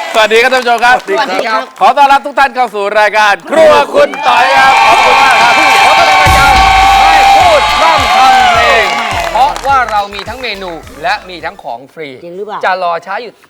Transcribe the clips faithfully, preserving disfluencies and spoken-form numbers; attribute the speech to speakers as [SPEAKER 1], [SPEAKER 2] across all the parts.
[SPEAKER 1] สวัสดีครับท่านผู้ชมครับ
[SPEAKER 2] สวัสดีครับ
[SPEAKER 1] ขอต้อนรับทุกท่านเข้าสู่รายการครัวคุณต่อยครับขอบคุณมากครับขอต้อนรับรายการให้พูดพร่ำทำเพลง
[SPEAKER 2] เพราะว่าเรามีทั้งเมนูและมีทั้งของฟรี
[SPEAKER 3] จริงหรือเปล่า
[SPEAKER 2] จะรอช้าอยู่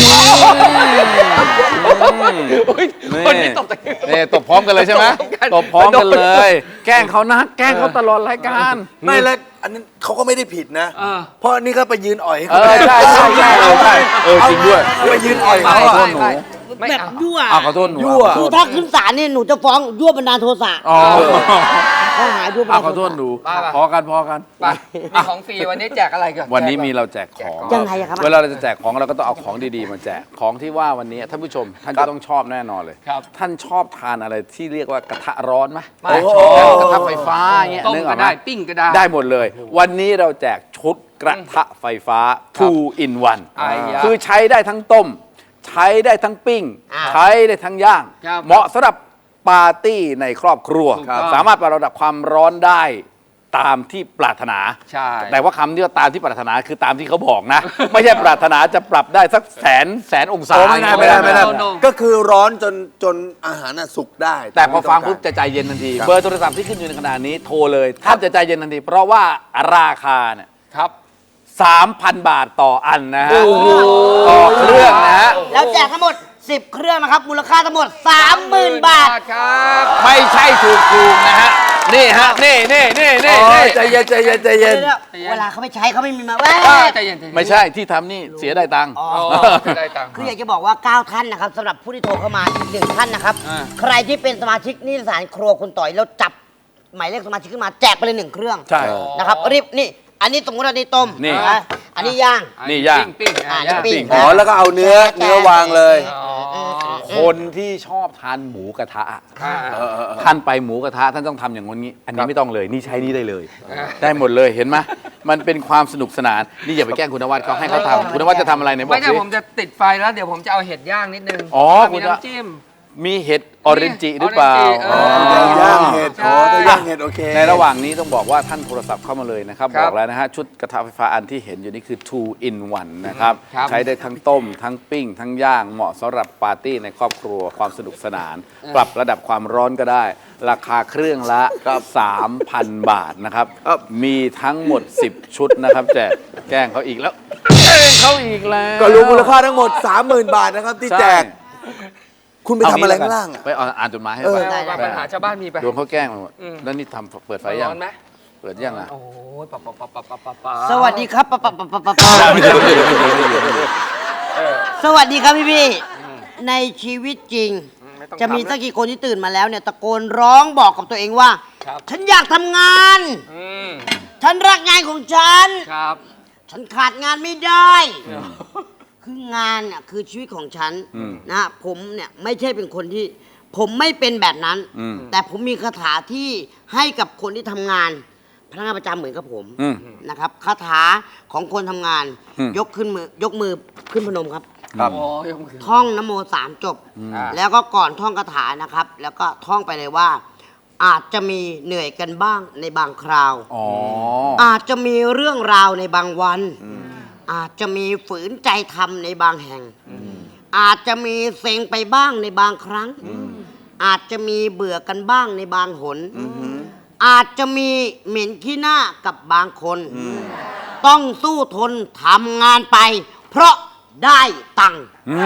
[SPEAKER 2] คนนี้ตบตะกี้
[SPEAKER 1] นี่ตบพร้อมกันเลยใช่ไหมตบพร้อมกันเลย แกล้งเขานะแกล้งเขาตลอดรายการ
[SPEAKER 4] ไม่แล้วอันนั้นเขาก็ไม่ได้ผิดนะ เพราะอันนี้ก็ไปยืนอ่อยให้
[SPEAKER 1] เอ
[SPEAKER 4] เขา
[SPEAKER 1] อใช่ใช่ใช่เออใช่เออจริงด้วย
[SPEAKER 4] ไปยืนอ่อย
[SPEAKER 1] ขอ
[SPEAKER 4] เขา
[SPEAKER 1] โท
[SPEAKER 4] อะ
[SPEAKER 1] ษหนู
[SPEAKER 2] ไม่
[SPEAKER 3] แบบ
[SPEAKER 2] เอา
[SPEAKER 3] ยั่ว
[SPEAKER 1] อ้าวขอโทษหนู
[SPEAKER 4] ยั่ว
[SPEAKER 3] คือถ้าขึ้นศาลเนี่ยหนูจะฟ้องยั่วบันดาลโทสะ
[SPEAKER 1] อ๋อ
[SPEAKER 3] ข้อหายั่วบัน
[SPEAKER 1] อ้า
[SPEAKER 3] ดาว ล
[SPEAKER 1] ขอโท
[SPEAKER 3] โท
[SPEAKER 1] ษ
[SPEAKER 3] สะ
[SPEAKER 1] หนูพอกันพอกัน
[SPEAKER 2] ไปมีของฟรีวันนี้แจกอะไรก่อน
[SPEAKER 1] วันนี้มีเราแจกของ
[SPEAKER 3] ยังไงอะครับ
[SPEAKER 1] เวลาเราจะแจกของเราก็ต้องเอาของดีๆมาแจกของที่ว่าวันนี้ท่านผู้ชมท่านจะต้องชอบแน่นอนเลย
[SPEAKER 2] ครับ
[SPEAKER 1] ท่านชอบทานอะไรที่เรียกว่ากระทะร้อนไหม
[SPEAKER 2] ไม่
[SPEAKER 1] ชอบกระทะไฟฟ้าเงี้ย
[SPEAKER 2] ต้ม
[SPEAKER 1] นึกอ
[SPEAKER 2] ก็
[SPEAKER 1] อกไหม
[SPEAKER 2] ได้ปิ้งก็ได้
[SPEAKER 1] ได้หมดเลย วันนี้เราแจกชุดกระทะไฟฟ้า two in one
[SPEAKER 2] ไอ้ยะ
[SPEAKER 1] คือใช้ได้ทั้งต้ม ใช้ได้ทั้งปิ้ง
[SPEAKER 3] อ่า
[SPEAKER 1] ใช้ได้ทั้งย่าง
[SPEAKER 2] ครับ
[SPEAKER 1] เหมาะสำหรับปาร์ตี้ในครอบครัว
[SPEAKER 2] ถูกต้อง
[SPEAKER 1] สามารถปรับระดับความร้อนได้ตามที่ปรารถนา
[SPEAKER 2] ใช่
[SPEAKER 1] แต่ว่าคำที่ว่าตามที่ปรารถนาคือตามที่เขาบอกนะ ไม่ใช่ปรารถนาจะปรับได้สักแสนแสนองศา
[SPEAKER 4] โอ้ไม่ได้ไม่ได้ไม่ได้
[SPEAKER 2] โน่โน่
[SPEAKER 4] ก็คือร้อนจนจนอาหารน่ะสุกได้
[SPEAKER 1] แต่พอฟังปุ๊บจะใจเย็นทันที เบอร์โทรศัพท์ที่ขึ้นอยู่ในขณะนี้โทรเลยท่านจะใจเย็นทันที เพราะว่าราคาเนี่ย
[SPEAKER 2] ครับ
[SPEAKER 1] สามพันบาทต่ออันนะฮะต่อเครื่องนะฮะ
[SPEAKER 3] แล้วแจกทั้งหมดสิบเครื่องนะครับ มูลค่าทั้งหมด สามหมื่น บาท
[SPEAKER 2] ครับ
[SPEAKER 1] ไม่ใช่ถูกๆนะฮะนี่ฮะนี่นี่นี่นี่
[SPEAKER 4] โอ้
[SPEAKER 1] นี่
[SPEAKER 4] ยใจเย็นใจเย็นใจเย็น
[SPEAKER 3] เดี๋ยวๆเวลาเขาไปใช้เขาไม่มีมาเว้ย
[SPEAKER 2] อ่าใจเย็นใจเย็น
[SPEAKER 1] ไม่ใช่ที่ทำนี่เสียได้ตังค์
[SPEAKER 2] อ๋อได้ตังค์
[SPEAKER 3] คืออยากจะบอกว่าเก้าท่านนะครับสำหรับผู้ที่โทรเข้ามาอีกหนึ่งท่านนะครับ
[SPEAKER 2] อ่า
[SPEAKER 3] ใครที่เป็นสมาชิกนิตยสารครัวคุณต่อยแล้วจับหมายเลขสมาชิกขึ้นมาแจกไปเลยหนึ่งเครื่อง
[SPEAKER 1] ใช่
[SPEAKER 3] นะครับรีบนี่ อันนี้สมมติว่านี่ต้ม
[SPEAKER 1] นี่
[SPEAKER 3] ะอันนี้ย่าง
[SPEAKER 1] นี่ย่าง
[SPEAKER 2] ปิ้ง
[SPEAKER 3] อ่า
[SPEAKER 2] ย่าง
[SPEAKER 3] นี่ปิ้
[SPEAKER 1] ปิ้ง
[SPEAKER 4] อ๋อแล้วก็เอาเนื้อเนื้อวางเลย
[SPEAKER 2] อ๋อ
[SPEAKER 1] คนที่ชอบทานหมูกระทะ
[SPEAKER 2] อ่า
[SPEAKER 1] ท่านไปหมูกระทะท่านต้องทำอย่างนี้ อันนี้ไม่ต้องเลยนี่ใช้นี่ได้เลย ได้หมดเลยเห็นไหมมันเป็นความสนุกสนานนี่อย่าไปแกล้งคุณนวัดเขาให้เขาทำคุณนวัดจะทำอะไรเนี่ยบอ
[SPEAKER 2] ไม่
[SPEAKER 1] ก
[SPEAKER 2] ใช่
[SPEAKER 1] สิ
[SPEAKER 2] ผมจะติดไฟแล้วเดี๋ยวผมจะเอาเห็ดย่างนิดนึง
[SPEAKER 1] อ๋อ
[SPEAKER 2] มี
[SPEAKER 1] คุณจะ
[SPEAKER 2] น้ำจิ้ม
[SPEAKER 1] มีเห็ดออเรนจิหรือเปล่า
[SPEAKER 2] ออเรนจิเออ
[SPEAKER 4] ย่างเห็ดอ๋อถ้าย่างเห็ดโอเค
[SPEAKER 1] ในระหว่างนี้ต้องบอกว่าท่านโทรศัพท์เข้ามาเลยนะครับ
[SPEAKER 2] ครับ
[SPEAKER 1] บอกแล้วนะฮะชุดกระทะไฟฟ้าอันที่เห็นอยู่นี่คือ two in one นะครับ
[SPEAKER 2] ครับ
[SPEAKER 1] ใช้ได้ทั้งต้ม ทั้งปิ้ง ทั้งย่างเหมาะสำหรับปาร์ตี้ในครอบครัวความสนุกสนาน ปรับระดับความร้อนก็ได้ ราคาเครื่องละ สามพัน บาทนะครับ
[SPEAKER 4] ครับ
[SPEAKER 1] มีทั้งหมด สิบ ชุดนะครับแจกแกล้งเขาอีกแล้วแกล้งเขาอีกแล้ว
[SPEAKER 4] ก็รวมมูลค่าทั้งหมด สามหมื่น บาทนะครับที่แจก
[SPEAKER 1] ใช่
[SPEAKER 4] คุณไปทำอะไรข้างล่างอะ
[SPEAKER 1] ไปเอาอ่านจดหมายให้
[SPEAKER 4] เออ
[SPEAKER 1] ไป
[SPEAKER 2] ไปปัญหาชาวบ้านมีไป
[SPEAKER 1] โดนเขาแกล้งมาหมด
[SPEAKER 2] อืม
[SPEAKER 1] แล้วนี่ทำเปิดไฟยัง
[SPEAKER 2] ร้อนไหม
[SPEAKER 1] เปิดยังอ่ะ
[SPEAKER 2] โอ้ยปะปะปะปะปะปะปะ
[SPEAKER 3] สวัสดีครับปะปะปะปะปะปะ
[SPEAKER 1] ไม่ใช่ไม่ใช่ไม่ใช่ไม่ใช่ไม่ใช่
[SPEAKER 3] สวัสดีครับพี่พี่ๆในชีวิตจริง
[SPEAKER 2] ไต้อง
[SPEAKER 3] จะมี
[SPEAKER 2] ทำ
[SPEAKER 3] สักกี่คนที่ตื่นมาแล้วเนี่ยตะโกนร้องบอกกับตัวเองว่า
[SPEAKER 2] ครับ
[SPEAKER 3] ฉันอยากทำงาน
[SPEAKER 2] อืม
[SPEAKER 3] ฉันรักงานของฉัน
[SPEAKER 2] ครับ
[SPEAKER 3] ฉันขาดงานไม่ได้ คืองานน่ะคือชีวิตของฉัน
[SPEAKER 1] อืม
[SPEAKER 3] นะผมเนี่ยไม่ใช่เป็นคนที่ ผมไม่เป็นแบบนั้น
[SPEAKER 1] อืม
[SPEAKER 3] แต่ผมมีคาถาที่ให้กับคนที่ทำงานพนักงานประจำเหมือนกับผม
[SPEAKER 1] อืม
[SPEAKER 3] นะครับคาถาของคนทำงาน
[SPEAKER 1] อืม
[SPEAKER 3] ยกขึ้นมือยกมือขึ้นพนมครับ
[SPEAKER 1] ครับ
[SPEAKER 2] โอ้ยยกมือ
[SPEAKER 3] ท่องนโมสามจบ
[SPEAKER 2] อ่า
[SPEAKER 3] แล้วก็ก่อนท่องคาถานะครับ แล้วก็ท่องไปเลยว่า อาจจะมีเหนื่อยกันบ้างในบางคราว
[SPEAKER 1] อ๋อ
[SPEAKER 3] อาจจะมีเรื่องราวในบางวัน อาจจะมีฝืนใจทำในบางแห่ง อาจจะมีเซ็งไปบ้างในบางครั้ง อาจจะมีเบื่อกันบ้างในบางหน อาจจะมีเหม็นขี้หน้ากับบางคน ต้องสู้ทนทำงานไป เพราะได้ตังค์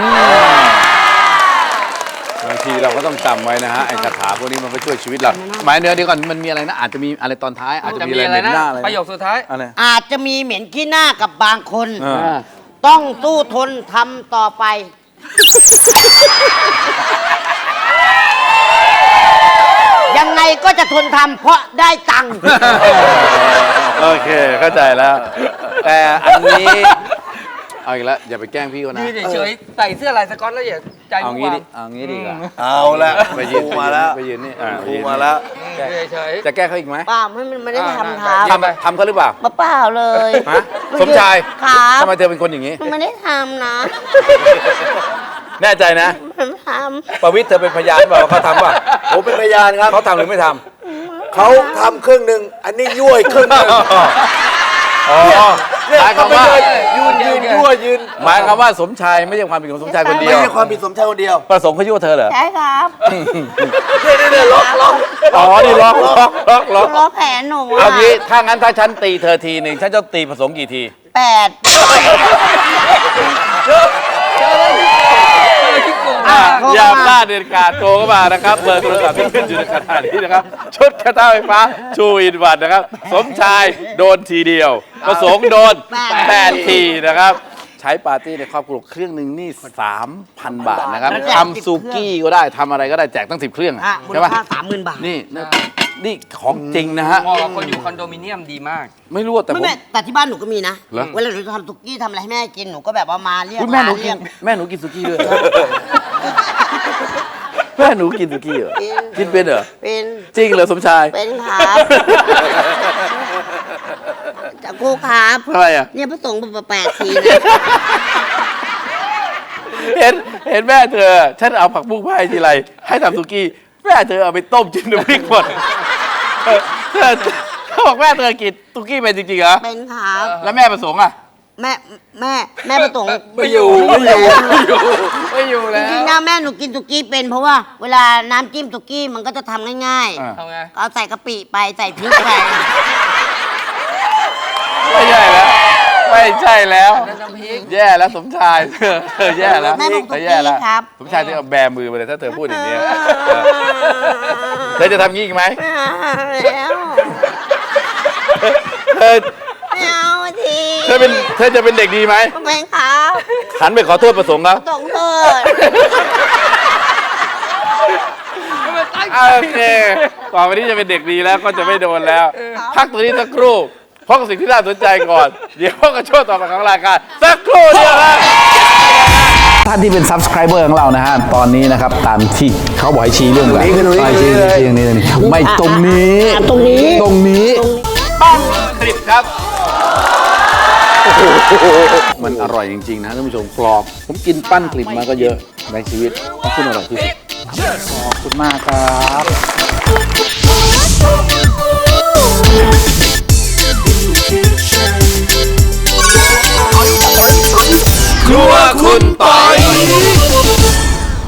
[SPEAKER 1] บางทีเราก็ต้องจำไว้นะฮะไอ้คาถาพวกนี้มันก็ช่วยชีวิตเราหมายเนื้อเดียวก่อนมันมีอะไรนะอาจจะมีอะไรตอนท้าย อาจจะ
[SPEAKER 2] จะ
[SPEAKER 1] มี
[SPEAKER 2] มี
[SPEAKER 1] อะไร
[SPEAKER 2] อะไร
[SPEAKER 1] เหม็น
[SPEAKER 2] นะ
[SPEAKER 1] หน้าอะไร
[SPEAKER 2] ประโยคสุดท้าย
[SPEAKER 1] อะไร
[SPEAKER 3] อาจจะมีเหม็นขี้หน้ากับบางคน
[SPEAKER 1] เออ
[SPEAKER 3] ต้องสู้ทนทำต่อไป ยังไงก็จะทนทำเพราะได้ตังค์
[SPEAKER 1] โอเคเข้าใจแล้ว แต่อันนี้เอาอีกแล้วอย่าไปแกล้งพี่เขานะ
[SPEAKER 2] ยืนเฉยๆใส่เสื้อลายสก๊อตแล้วอย่าใจ
[SPEAKER 1] เอา
[SPEAKER 2] มุ่ง
[SPEAKER 1] งี้
[SPEAKER 2] วา
[SPEAKER 1] ดิเอางี้ดีกว่า
[SPEAKER 4] เอาละ
[SPEAKER 1] ไปยืน
[SPEAKER 4] ครูมาแล้ว
[SPEAKER 1] ไปยืนนี่อ่า
[SPEAKER 4] ครูมาแล้ว
[SPEAKER 2] เฉย
[SPEAKER 1] จะแก้เขาอีกไหม
[SPEAKER 3] ป้าไม่ไม่ได้ทำค
[SPEAKER 2] อ่า
[SPEAKER 3] รับ
[SPEAKER 2] ได้
[SPEAKER 1] ทำทำเขาหรือเปล่า
[SPEAKER 3] ป้าเปล่าเลย
[SPEAKER 1] ฮะสมชาย
[SPEAKER 3] ครับ
[SPEAKER 1] ทำไมเธอเป็นคนอย่างนี้
[SPEAKER 3] ไม่ได้ทำนะ
[SPEAKER 1] แน่ใจนะ
[SPEAKER 3] ไม่ท
[SPEAKER 1] ประวิตรเธอเป็นพยานเปล่าว่าเขาทำเปล่า
[SPEAKER 4] ผมเป็นพยานครับ
[SPEAKER 1] เขาทำหรือไม่ท
[SPEAKER 4] เขาทำครึ่งหนึ่งอันนี้ยั่วอีกครึ่งหนึ่ง
[SPEAKER 1] ำอ๋อหมายความว่า
[SPEAKER 4] ยืนยืนยั่วยืน
[SPEAKER 1] หมายความว่าสมชายไม่ใช่ความผิดของสมชายคนเดี
[SPEAKER 4] ไม่
[SPEAKER 1] ยว
[SPEAKER 4] ใช่ความผิดสมชายคนเดียว
[SPEAKER 1] ประสงค์เขายั่วเธอเหรอ
[SPEAKER 5] ใช่ครับ
[SPEAKER 4] เนี่ยเนี่ยเนี่ยล็อกล็อก
[SPEAKER 1] อ๋อนี่ล็อกล็อกล็อกล็อก
[SPEAKER 5] ล้อแผลหนู
[SPEAKER 1] เอา
[SPEAKER 5] อ่ะ
[SPEAKER 1] งี้ถ้างั้นถ้าฉันตีเธอทีหนึ่งฉันจะตีประสงค์กี่ที
[SPEAKER 5] แปด
[SPEAKER 3] อ่ะโทร
[SPEAKER 1] อย่า
[SPEAKER 3] มา
[SPEAKER 1] พลาดเด็ดขาดโทรเข้ามานะครับเบอร์โทรศัพท์ที่ขึ้นอยู่ในขณะนี้นะครับ ชุดกระต้าไฟฟ้าชูอินวันนะครับ สมชายโดนทีเดียว ประสงค์โดนแปดทีนะครับ ใช้ปาร์ตี้ในครอบครัวเครื่องหนึ่งนี่ สามพัน บาทนะครับทำซูกี้ก็ได้ทำอะไรก็ได้แจกตั้งสิบเครื่อง
[SPEAKER 3] อ่ะมูล
[SPEAKER 1] ใช่ปะ
[SPEAKER 3] ค่าสามหมื่นบาท
[SPEAKER 1] นี่นี่นี่ของจริงนะฮะ
[SPEAKER 2] เหมาะกับคนอยู่คอนโดมิเนียมดีมาก
[SPEAKER 1] ไม่รู้แต่ผ
[SPEAKER 3] ไม่
[SPEAKER 1] ม
[SPEAKER 3] แม่แต่ที่บ้านหนูก็มีนะ
[SPEAKER 1] เหรอ
[SPEAKER 3] เวลาหนูทำสุกี้ทำอะไรให้แม่กินหนูก็แบบว่ามาเรียก
[SPEAKER 1] อุ๊ยแม่หนู
[SPEAKER 3] ร้า
[SPEAKER 1] กิ
[SPEAKER 3] เรี
[SPEAKER 1] น
[SPEAKER 3] ยก
[SPEAKER 1] แม่หนูกินซูกี้ด้วยเหรอแม่หนูกินซูกี้เหรอกินเป็นเหรอ
[SPEAKER 3] เป็น
[SPEAKER 1] จริงเหรอสมชาย
[SPEAKER 3] เป็นครับจะครูครับ
[SPEAKER 1] ทำไมอ่ะ
[SPEAKER 3] เนี่ยพระสงฆ์แปดทีนะ
[SPEAKER 1] เห็นเห็นแม่เธอ ฉันเอาผักบุ้งไปให้ทีไรให้ทำสุกี้แม่เธอเอาไปต้มจิ้มน้ำพริกหมดเธอเธอเขาบอกแม่เธอกินสุกี้เป็นจริงๆเหรอ
[SPEAKER 3] เป็นครับ
[SPEAKER 1] แล้วแม่ประสงค์อ่ะ
[SPEAKER 3] แม่แม่แม่ประสงค์
[SPEAKER 1] ไม่อยู่ไม่อยู่ไม่อยู่ไม่อยู่
[SPEAKER 3] จ
[SPEAKER 1] แล้ว
[SPEAKER 3] ริงๆนะแม่หนูกินสุกี้เป็นเพราะว่าเวลาน้ำจิ้มสุกี้มันก็จะทำง่าย
[SPEAKER 1] อ่ะ
[SPEAKER 2] ทำไง
[SPEAKER 3] ๆเอาใส่กะปิไปใส่พริกไป
[SPEAKER 1] ไม่ใช่แล้วไม่ใช่แล้ว
[SPEAKER 2] นั่นน้ำพริก
[SPEAKER 1] แย่แล้วสมชายเธอเธอแย่แล้ว
[SPEAKER 3] แม่บอกสุกี้
[SPEAKER 1] เธอแย่แล้ว
[SPEAKER 3] ครับ
[SPEAKER 1] สมชายเธอเอาแบมือไปเลยถ้าเธอพูดอย่างนี้เออเธอจะทำงี้อีกไหม
[SPEAKER 3] แล้ว
[SPEAKER 1] เธอ
[SPEAKER 3] ไม่เอาที
[SPEAKER 1] เธอเป็นเธอจะเป็นเด็กดีไหม
[SPEAKER 3] เป็นครับ
[SPEAKER 1] หันไปขอโทษประสงค์ครับ
[SPEAKER 3] ส่งเธอ
[SPEAKER 1] โอเคต่อไปนี้จะเป็นเด็กดีแล้วก็จะไม่โดนแล้ว พักตัวนี้สักครู่เพราะสิ่งที่น่าสนใจก่อน เดี๋ยวพบกับช่วงต่อไปของรายการสักครู่เดียวครับท่านที่เป็น subscriber ของเรานะฮะ ตอนนี้นะครับ ตามที่เขาบอกให้ชี้เรื่องอะไร
[SPEAKER 4] ตรงนี้
[SPEAKER 1] ให้ชี้
[SPEAKER 4] ตรงนี้เลย
[SPEAKER 1] ชี้อย่างนี้เลยไม่ตรงนี้
[SPEAKER 3] ตรงนี้
[SPEAKER 1] ตรงนี้ปั้นคลิปครับ มันอร่อยจริง ๆ นะท่านผู้ชมกรอบ ผมกินปั้นคลิปมาก็เยอะในชีวิตของคุณอร่อยที่สุดขอบคุณมากครับ